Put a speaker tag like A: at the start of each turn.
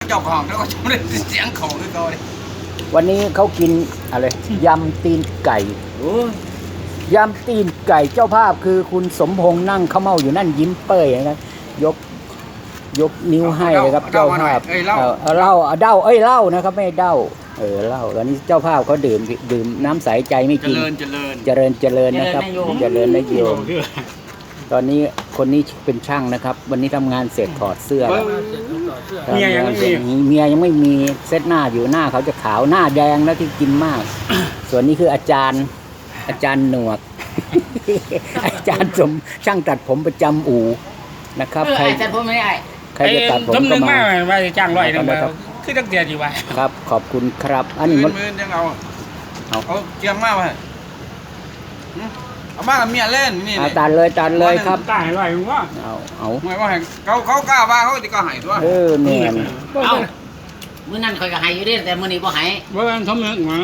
A: เจ้าของแล้วก็ไม่ได้เสียงของคือเขาเลย
B: วันนี้เขากินอะไรยำตีนไก่
A: โอ้
B: ยำตีนไก่เจ้าภาพคือคุณสมพงษ์นั่งเขม่าอยู่นั่นยิ้มเป้ยนะครับยกนิ้วให้เลยครับเจ้าภาพเอาเหล้าเหล้านะครับไม่เหล้าเหล้าตอนนี้เจ้าภาพเขาดื่มน้ำใสใจไม่
A: เจ
B: กิน
A: ริญ
B: เจริญนะครับเจริญนโยมตอนนี้คนนี้เป็นช่างนะครับ วันนี้ทำงานเสร็จถอดเสื้อแล้ว
C: เมียยังไม่มี
B: เมียยังไม่มีเซตหน้าอยู่หน้าเขาจะขาวหน้าแดงแล้วที่กินมาก ส่วนนี้คืออาจารย์หนวด อาจารย์สมช่างตัดผมประจำอู่นะครับใคร
A: แต่ผมไม่ได้
B: ใครจะตัดผม
C: ต้มห
B: ก็
C: นึ่ง
B: มา
C: มาว่าจะจ้างร้อยหนึง
B: ครั
C: มา
B: บ
C: คือตั้งเดียวดีว่า
B: ครับขอบคุณครับ อันนี้มัน
A: มือยังเอาเกียงมากเลยเอามากับเมียเล่นนี่
B: ตัดเลยครับ
C: ตายร้อยมึงว่า
B: เอา
A: ไม่ว่าเขากล้าว่าเขาจะก็หายตัว
B: เนี่ย
D: เอ้ามื้อนั้นข่อยก็ให้อยู่เด้แต่มื้อนี้บ่ให้
C: เมื่อวันทำหนึ่งมา